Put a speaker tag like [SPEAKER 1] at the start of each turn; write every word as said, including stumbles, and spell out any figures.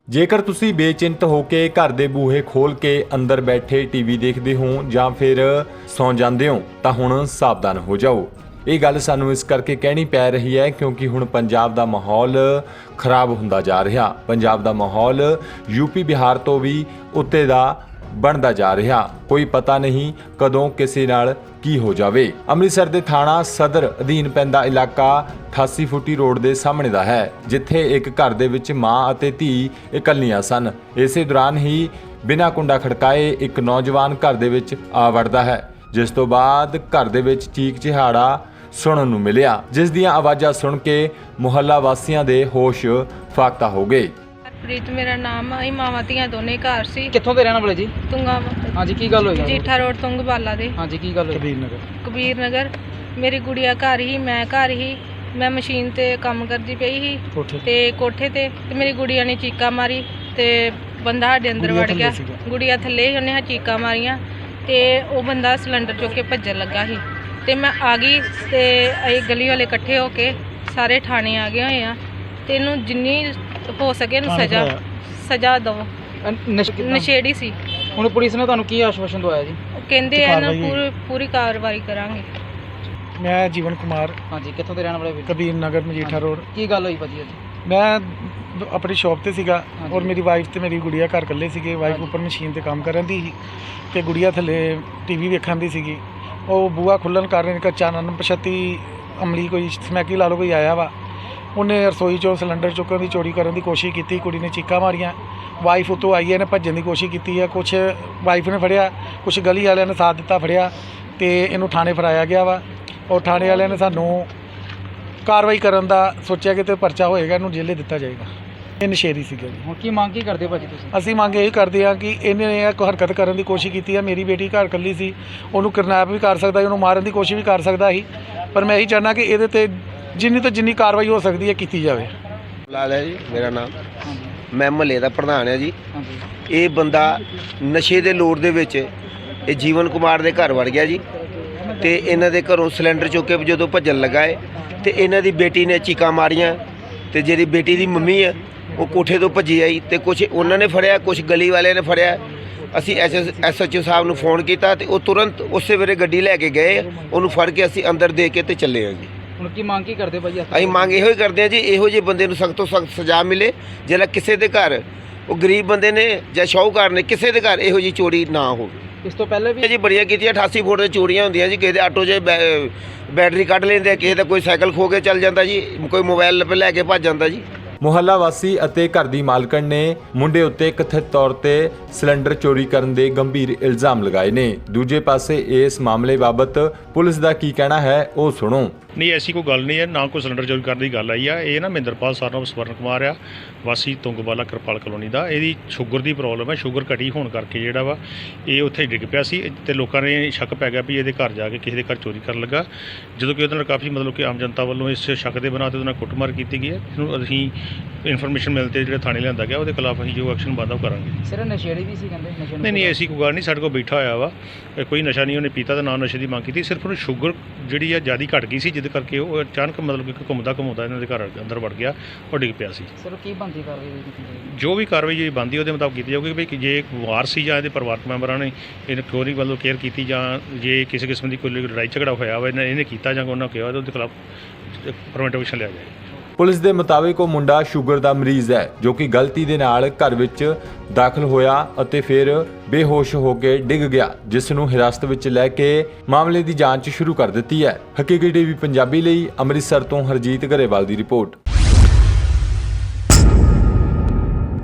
[SPEAKER 1] ਜੇਕਰ ਤੁਸੀਂ ਬੇਚਿੰਤ ਹੋ ਕੇ ਘਰ ਦੇ ਬੂਹੇ ਖੋਲ ਕੇ ਅੰਦਰ ਬੈਠੇ ਟੀਵੀ ਦੇਖਦੇ ਹੋ ਜਾਂ ਫਿਰ ਸੌਂ ਜਾਂਦੇ ਹੋ ਤਾਂ ਹੁਣ ਸਾਵਧਾਨ ਹੋ ਜਾਓ। ਇਹ ਗੱਲ ਸਾਨੂੰ ਇਸ ਕਰਕੇ ਕਹਿਣੀ ਪੈ ਰਹੀ ਹੈ ਕਿਉਂਕਿ ਹੁਣ ਪੰਜਾਬ ਦਾ ਮਾਹੌਲ ਖਰਾਬ ਹੁੰਦਾ ਜਾ ਰਿਹਾ। ਪੰਜਾਬ ਦਾ ਮਾਹੌਲ ਯੂਪੀ ਬਿਹਾਰ ਤੋਂ ਵੀ ਉੱਤੇ ਦਾ ਬਣਦਾ ਜਾ ਰਿਹਾ। ਕੋਈ ਪਤਾ ਨਹੀਂ ਕਦੋਂ ਕਿਸੇ ਨਾਲ ਕੀ ਹੋ ਜਾਵੇ। ਅੰਮ੍ਰਿਤਸਰ ਦੇ ਥਾਣਾ ਸਦਰ ਅਧੀਨ ਪੈਂਦਾ ਇਲਾਕਾ ਅਠਾਸੀ ਫੁੱਟੀ ਰੋਡ ਦੇ ਸਾਹਮਣੇ ਦਾ ਹੈ, ਜਿੱਥੇ ਇੱਕ ਘਰ ਦੇ ਵਿੱਚ ਮਾਂ ਅਤੇ ਧੀ ਇਕੱਲੀਆਂ ਸਨ। ਇਸੇ ਦੌਰਾਨ ਹੀ ਬਿਨਾਂ ਕੁੰਡਾ ਖੜਕਾਏ ਇੱਕ ਨੌਜਵਾਨ ਘਰ ਦੇ ਵਿੱਚ ਆ ਵੜਦਾ ਹੈ, ਜਿਸ ਤੋਂ ਬਾਅਦ ਘਰ ਦੇ ਵਿੱਚ ਚੀਕ ਚਿਹਾੜਾ ਸੁਣਨ ਨੂੰ ਮਿਲਿਆ, ਜਿਸ ਦੀਆਂ ਆਵਾਜ਼ਾਂ ਸੁਣ ਕੇ ਮੁਹੱਲਾ ਵਾਸੀਆਂ ਦੇ ਹੋਸ਼ ਫਾਕਤਾ ਹੋ ਗਏ।
[SPEAKER 2] ਪ੍ਰੀਤ ਮੇਰਾ ਨਾਮ ਹੈ। ਮਾਵਾਂ ਧੀਆਂ ਦੋਨੇ ਘਰ ਸੀ।
[SPEAKER 3] ਕਿੱਥੋਂ ਦੇ ਰਹਿਣ ਵਾਲੇ ਜੀ?
[SPEAKER 2] ਤੁੰਗਾ
[SPEAKER 3] ਹਾਂਜੀ, ਕੀ ਗੱਲ ਹੋਈ?
[SPEAKER 2] ਜੀਠਾ ਰੋਡ ਤੁੰਗਵਾਲਾ ਦੇ।
[SPEAKER 3] ਹਾਂਜੀ, ਕੀ ਗੱਲ ਹੋਈ?
[SPEAKER 4] ਕਬੀਰ ਨਗਰ।
[SPEAKER 2] ਕਬੀਰ ਨਗਰ। ਮੇਰੀ ਗੁੜੀਆ ਘਰ ਹੀ, ਮੈਂ ਘਰ ਹੀ। ਮੈਂ ਮਸ਼ੀਨ ਤੇ ਕੰਮ ਕਰਦੀ ਪਈ ਸੀ
[SPEAKER 4] ਕੋਠੇ
[SPEAKER 2] ਤੇ ਕੋਠੇ ਤੇ ਤੇ ਮੇਰੀ ਗੁੜੀਆ ਨੇ ਚੀਕਾ ਮਾਰੀ ਤੇ ਬੰਦਾ ਸਾਡੇ ਅੰਦਰ ਵੜ ਗਿਆ। ਗੁੜੀਆ ਥੱਲੇ ਹੀ, ਉਹਨੇ ਹਾਂ ਚੀਕਾ ਮਾਰੀਆਂ ਤੇ ਉਹ ਬੰਦਾ ਸਿਲੰਡਰ ਚੁੱਕ ਕੇ ਭੱਜਣ ਲੱਗਾ ਸੀ ਤੇ ਮੈਂ ਆ ਗਈ ਤੇ ਅਸੀਂ ਗਲੀ ਵਾਲੇ ਇਕੱਠੇ ਹੋ ਕੇ ਸਾਰੇ ਥਾਣੇ ਆ ਗਏ ਹੋਏ ਆ ਤੇ ਇਹਨੂੰ ਜਿੰਨੀ ਹੋ ਸਕੇ ਇਹਨੂੰ ਸਜ਼ਾ ਸਜ਼ਾ ਦਿਓ।
[SPEAKER 3] ਅਹ ਨਸ਼ੇ ਕਿੱਦਾਂ?
[SPEAKER 2] ਨਸ਼ੇੜੀ ਸੀ।
[SPEAKER 3] ਹੁਣ ਪੁਲਿਸ ਨੇ ਤੁਹਾਨੂੰ ਕੀ ਆਸ਼ਵਾਸਨ ਦਵਾਇਆ ਜੀ?
[SPEAKER 2] ਉਹ ਕਹਿੰਦੇ ਆ ਨਾ
[SPEAKER 4] ਕਾਰਵਾਈ-
[SPEAKER 2] ਪੂਰੀ ਪੂਰੀ ਕਾਰਵਾਈ ਕਰਾਂਗੇ।
[SPEAKER 4] ਮੈਂ ਜੀਵਨ ਕੁਮਾਰ,
[SPEAKER 3] ਹਾਂਜੀ, ਕਿੱਥੋਂ ਦੇ ਰਹਿਣ ਵਾਲੇ ਵੀਰ?
[SPEAKER 4] ਕਬੀਰ ਨਗਰ ਮਜੀਠਾ ਰੋਡ।
[SPEAKER 3] ਕੀ ਗੱਲ ਹੋਈ ਭਾਜੀ ਅੱਜ?
[SPEAKER 4] ਮੈਂ ਦ- ਆਪਣੀ ਸ਼ਾਪ ਤੇ ਸੀਗਾ
[SPEAKER 3] ਹਾਂਜੀ।
[SPEAKER 4] ਔਰ ਮੇਰੀ ਵਾਈਫ ਤੇ ਮੇਰੀ ਗੁੜੀਆ ਘਰ ਇਕੱਲੇ ਸੀਗੇ। ਵਾਈਫ
[SPEAKER 3] ਹਾਂਜੀ।
[SPEAKER 4] ਉੱਪਰ ਮਸ਼ੀਨ ਤੇ ਕੰਮ ਕਰਨ ਦੀ ਸੀ ਤੇ ਗੁੜੀਆ ਥੱਲੇ ਟੀਵੀ ਵੇਖਣ ਦੀ ਸੀਗੀ। ਉਹ ਬੂਆ ਖੁੱਲਣ ਕਾਰਨ ਇੱਕ ਅਚਾਨਕ ਪਛਤੀ ਅਮਲੀ ਕੋਈ ਸਮੈਕੀ ਲਾ ਲਓ ਕੋਈ ਆਇਆ ਵਾ। ਉਹਨੇ ਰਸੋਈ ਚੋਂ ਸਿਲੰਡਰ ਚੁੱਕਣ ਦੀ ਚੋਰੀ ਕਰਨ ਦੀ ਕੋਸ਼ਿਸ਼ ਕੀਤੀ। ਕੁੜੀ ਨੇ ਚੀਕਾਂ ਮਾਰੀਆਂ। ਵਾਈਫ ਉੱਤੋਂ ਆਈ ਹੈ, ਇਹਨੇ ਭੱਜਣ ਦੀ ਕੋਸ਼ਿਸ਼ ਕੀਤੀ ਹੈ। ਕੁਛ ਵਾਈਫ ਨੇ ਫੜਿਆ, ਕੁਛ ਗਲੀ ਵਾਲਿਆਂ ਨੇ ਸਾਥ ਦਿੱਤਾ, ਫੜਿਆ ਤੇ ਇਹਨੂੰ ਥਾਣੇ ਫੜਾਇਆ ਗਿਆ ਵਾ। ਔਰ ਥਾਣੇ ਵਾਲਿਆਂ ਨੇ ਸਾਨੂੰ ਕਾਰਵਾਈ ਕਰਨ ਦਾ ਸੋਚਿਆ ਕਿ ਤੇ ਪਰਚਾ ਹੋਏਗਾ, ਇਹਨੂੰ ਜੇਲੇ ਦਿੱਤਾ ਜਾਏਗਾ। ਇਹ ਨਸ਼ੇੜੀ ਸੀਗਾ ਜੀ।
[SPEAKER 3] ਹੁਣ ਕੀ ਮੰਗ ਕੀ ਕਰਦੇ ਹੋ ਭਾਜੀ ਤੁਸੀਂ?
[SPEAKER 4] ਅਸੀਂ ਮੰਗ ਇਹੀ ਕਰਦੇ ਹਾਂ ਕਿ ਇਹਨੇ ਇਹ ਕੋਈ ਹਰਕਤ ਕਰਨ ਦੀ ਕੋਸ਼ਿਸ਼ ਕੀਤੀ ਹੈ। ਮੇਰੀ ਬੇਟੀ ਘਰ ਇਕੱਲੀ ਸੀ, ਉਹਨੂੰ ਕਿਡਨੈਪ ਵੀ ਕਰ ਸਕਦਾ ਸੀ, ਉਹਨੂੰ ਮਾਰਨ ਦੀ ਕੋਸ਼ਿਸ਼ ਵੀ ਕਰ ਸਕਦਾ ਸੀ। ਪਰ ਮੈਂ ਇਹੀ ਚਾਹੁੰਦਾ ਕਿ ਇਹਦੇ ਤੇ ਜਿੰਨੀ ਤੋਂ ਜਿੰਨੀ ਕਾਰਵਾਈ ਹੋ ਸਕਦੀ ਹੈ ਕੀਤੀ ਜਾਵੇ।
[SPEAKER 5] ਲਾਲ ਹੈ ਜੀ ਮੇਰਾ ਨਾਮ। ਮੈਂ ਮਹੱਲੇ ਦਾ ਪ੍ਰਧਾਨ ਹਾਂ ਜੀ।
[SPEAKER 3] ਹਾਂਜੀ,
[SPEAKER 5] ਇਹ ਬੰਦਾ ਨਸ਼ੇ ਦੇ ਲੋੜ ਦੇ ਵਿੱਚ ਇਹ ਜੀਵਨ ਕੁਮਾਰ ਦੇ ਘਰ ਵੜ ਗਿਆ ਜੀ ਤੇ ਇਹਨਾਂ ਦੇ ਘਰੋਂ ਸਿਲੰਡਰ ਚੁੱਕ ਕੇ ਜਦੋਂ ਭੱਜਣ ਲੱਗਾ ਹੈ ਤੇ ਇਹਨਾਂ ਦੀ ਬੇਟੀ ਨੇ ਚੀਕਾਂ ਮਾਰੀਆਂ ਤੇ ਜਿਹੜੀ ਬੇਟੀ ਦੀ ਮੰਮੀ ਹੈ ਉਹ ਕੋਠੇ ਤੋਂ ਭੱਜੀ ਆਈ ਤੇ ਕੁਝ ਉਹਨਾਂ ਨੇ ਫੜਿਆ, ਕੁਝ ਗਲੀ ਵਾਲਿਆਂ ਨੇ ਫੜਿਆ। ਅਸੀਂ ਐਸ ਐਸ ਓ ਸਾਹਿਬ ਨੂੰ ਫੋਨ ਕੀਤਾ ਤੇ ਉਹ ਤੁਰੰਤ ਉਸੇ ਵੇਲੇ ਗੱਡੀ ਲੈ ਕੇ ਗਏ। ਉਹਨੂੰ ਫੜ ਕੇ ਅਸੀਂ ਅੰਦਰ ਦੇ ਕੇ ਤੇ ਚੱਲੇ ਹਾਂ ਜੀ।
[SPEAKER 3] ਹੁਣ ਕੀ ਮੰਗ ਕੀ ਕਰਦੇ ਹੋ ਭਾਜੀ?
[SPEAKER 5] ਅਸੀਂ ਮੰਗ ਇਹੋ ਹੀ ਕਰਦੇ ਹਾਂ ਜੀ, ਇਹੋ ਜਿਹੇ ਬੰਦੇ ਨੂੰ ਸਖਤ ਤੋਂ ਸਖਤ ਸਜ਼ਾ ਮਿਲੇ। ਜਿਹੜਾ ਕਿਸੇ ਦੇ ਘਰ ਉਹ ਗਰੀਬ ਬੰਦੇ ਨੇ ਜਾਂ ਸ਼ਾਹੂਕਾਰ ਨੇ ਕਿਸੇ ਦੇ ਘਰ ਇਹੋ ਜਿਹੀ ਚੋਰੀ ਨਾ ਹੋਵੇ।
[SPEAKER 3] ਇਸ ਤੋਂ ਪਹਿਲੇ ਵੀ
[SPEAKER 5] ਜੀ ਬੜੀਆਂ ਕੀਤੀਆਂ। ਅਠਾਸੀ ਫੁੱਟ ਦੇ ਚੋਰੀਆਂ ਹੁੰਦੀਆਂ ਜੀ। ਕਿਸੇ ਦੇ ਆਟੋ 'ਚ ਬੈ- ਬੈਟਰੀ ਕੱਢ ਲੈਂਦੇ, ਕਿਸੇ ਦਾ ਕੋਈ ਸਾਈਕਲ ਖੋ ਕੇ ਚੱਲ ਜਾਂਦਾ ਜੀ, ਕੋਈ ਮੋਬਾਈਲ ਲੈ ਕੇ ਭੱਜ ਜਾਂਦਾ ਜੀ।
[SPEAKER 1] ਮੁਹੱਲਾ ਵਾਸੀ ਅਤੇ ਘਰ ਦੀ ਮਾਲਕਣ ਨੇ ਮੁੰਡੇ ਉੱਤੇ ਕਥਿਤ ਤੌਰ ਤੇ ਸਿਲੰਡਰ ਚੋਰੀ ਕਰਨ ਦੇ ਗੰਭੀਰ ਇਲਜ਼ਾਮ ਲਗਾਏ ਨੇ। ਦੂਜੇ ਪਾਸੇ ਇਸ ਮਾਮਲੇ ਬਾਬਤ ਪੁਲਿਸ ਦਾ ਕੀ ਕਹਿਣਾ ਹੈ ਉਹ ਸੁਣੋ।
[SPEAKER 6] ਨਹੀਂ, ਐਸੀ ਕੋਈ ਗੱਲ ਨਹੀਂ ਹੈ, ਨਾ ਕੋਈ ਸਿਲੰਡਰ ਚੋਰੀ ਕਰਨ ਦੀ ਗੱਲ ਆਈ ਆ। ਇਹ ਨਾ ਮਹਿੰਦਰਪਾਲ ਸਰਨਾਮ ਸਵਰਨ ਕੁਮਾਰ ਆ, ਵਾਸੀ ਤੁੰਗਵਾਲਾ ਕਿਰਪਾਲ ਕਲੋਨੀ ਦਾ। ਇਹਦੀ ਸ਼ੂਗਰ ਦੀ ਪ੍ਰੋਬਲਮ ਹੈ। ਸ਼ੂਗਰ ਘਟੀ ਹੋਣ ਕਰਕੇ ਜਿਹੜਾ ਵਾ ਇਹ ਉੱਥੇ ਡਿੱਗ ਪਿਆ ਸੀ ਤੇ ਲੋਕਾਂ ਨੇ ਸ਼ੱਕ ਪੈ ਗਿਆ ਵੀ ਇਹਦੇ ਘਰ ਜਾ ਕੇ ਕਿਸੇ ਦੇ ਘਰ ਚੋਰੀ ਕਰਨ ਲੱਗਾ। ਜਦੋਂ ਕਿ ਉਹਦੇ ਨਾਲ ਕਾਫੀ ਮਤਲਬ ਕਿ ਆਮ ਜਨਤਾ ਵੱਲੋਂ ਇਸ ਸ਼ੱਕ ਦੇ ਬਣਾ ਤੇ ਉਹਦੇ ਨਾਲ ਕੁੱਟਮਾਰ ਕੀਤੀ ਗਈ ਹੈ। ਇਹਨੂੰ ਅਸੀਂ ਇਨਫੋਰਮੇਸ਼ਨ ਮਿਲ ਤੇ ਜਿਹੜਾ ਥਾਣੇ ਲਿਆਂਦਾ ਗਿਆ, ਉਹਦੇ ਖਿਲਾਫ ਅਸੀਂ ਜੋ ਐਕਸ਼ਨ ਬਣਦਾ ਉਹ ਕਰਾਂਗੇ।
[SPEAKER 3] ਸਿਰ ਨਸ਼ੇੜੀ ਵੀ ਸੀ ਕਹਿੰਦੇ? ਨਸ਼ੇ
[SPEAKER 6] ਨਹੀਂ ਨਹੀਂ, ਐਸੀ ਕੋਈ ਗੱਲ ਨਹੀਂ। ਸਾਡੇ ਕੋਲ ਬੈਠਾ ਹੋਇਆ ਵਾ, ਕੋਈ ਨਸ਼ਾ ਨਹੀਂ ਉਹਨੇ ਪੀਤਾ ਤੇ ਨਾ ਨਸ਼ੇ ਦੀ ਮੰਗ ਕੀਤੀ। ਸਿਰਫ ਉਹਨੂੰ ਸ਼ੂਗਰ ਜਿਹੜੀ ਆ ਜ਼ਿਆਦਾ ਘਟ ਗਈ ਸੀ, ਜਿਹਦੇ ਕਰਕੇ ਉਹ ਅਚਾਨਕ ਮਤਲਬ ਕਿ ਘੁੰਮਦਾ ਘੁੰਮਦਾ ਇਹਨਾਂ ਦੇ ਘਰ ਅੰਦਰ ਵੜ ਗਿਆ, ਉਹ ਡਿੱਗ ਪਿਆ ਸੀ।
[SPEAKER 3] ਸਿਰ ਕੀ ਬੰਦੀ ਕਾਰਵਾਈ ਕੀਤੀ ਜਾਏਗੀ?
[SPEAKER 6] ਜੋ ਵੀ ਕਾਰਵਾਈ ਜਿਹੜੀ ਬਣਦੀ ਉਹਦੇ ਮੁਤਾਬਕ ਕੀਤੀ ਜਾਊਗੀ। ਵੀ ਜੇ ਵਾਰ ਸੀ ਜਾਂ ਇਹਦੇ ਪਰਿਵਾਰਕ ਮੈਂਬਰਾਂ ਨੇ ਇਹਨੂੰ ਚੋਰੀ ਵੱਲੋਂ ਕੇਅਰ ਕੀਤੀ ਜਾਂ ਜੇ ਕਿਸੇ ਕਿਸਮ ਦੀ ਕੋਈ ਲੜਾਈ ਝਗੜਾ ਹੋਇਆ ਵਾ ਇਹਨੇ ਇਹਨੇ ਕੀਤਾ ਜਾਂ ਉਹਨਾਂ ਕਿਹਾ ਉਹਦੇ ਖਿਲਾਫ ਪ੍ਰੀਵੈਂਟਿਵ ਐਕਸ਼ਨ ਲਿਆ ਜਾਏ।
[SPEAKER 1] ਪੁਲਿਸ ਦੇ ਮੁਤਾਬਿਕ ਉਹ ਮੁੰਡਾ ਸ਼ੂਗਰ ਦਾ ਮਰੀਜ਼ ਹੈ, ਜੋ ਕਿ ਗਲਤੀ ਦੇ ਨਾਲ ਘਰ ਵਿੱਚ ਦਾਖਲ ਹੋਇਆ ਅਤੇ ਫਿਰ ਬੇਹੋਸ਼ ਹੋ ਕੇ ਡਿੱਗ ਗਿਆ, ਜਿਸ ਨੂੰ ਹਿਰਾਸਤ ਵਿੱਚ ਲੈ ਕੇ ਮਾਮਲੇ ਦੀ ਜਾਂਚ ਸ਼ੁਰੂ ਕਰ ਦਿੱਤੀ ਹੈ। ਹਕੀਕੀ ਟੀਵੀ ਪੰਜਾਬੀ ਲਈ ਅੰਮ੍ਰਿਤਸਰ ਤੋਂ ਹਰਜੀਤ ਗਰੇਵਾਲ ਦੀ ਰਿਪੋਰਟ।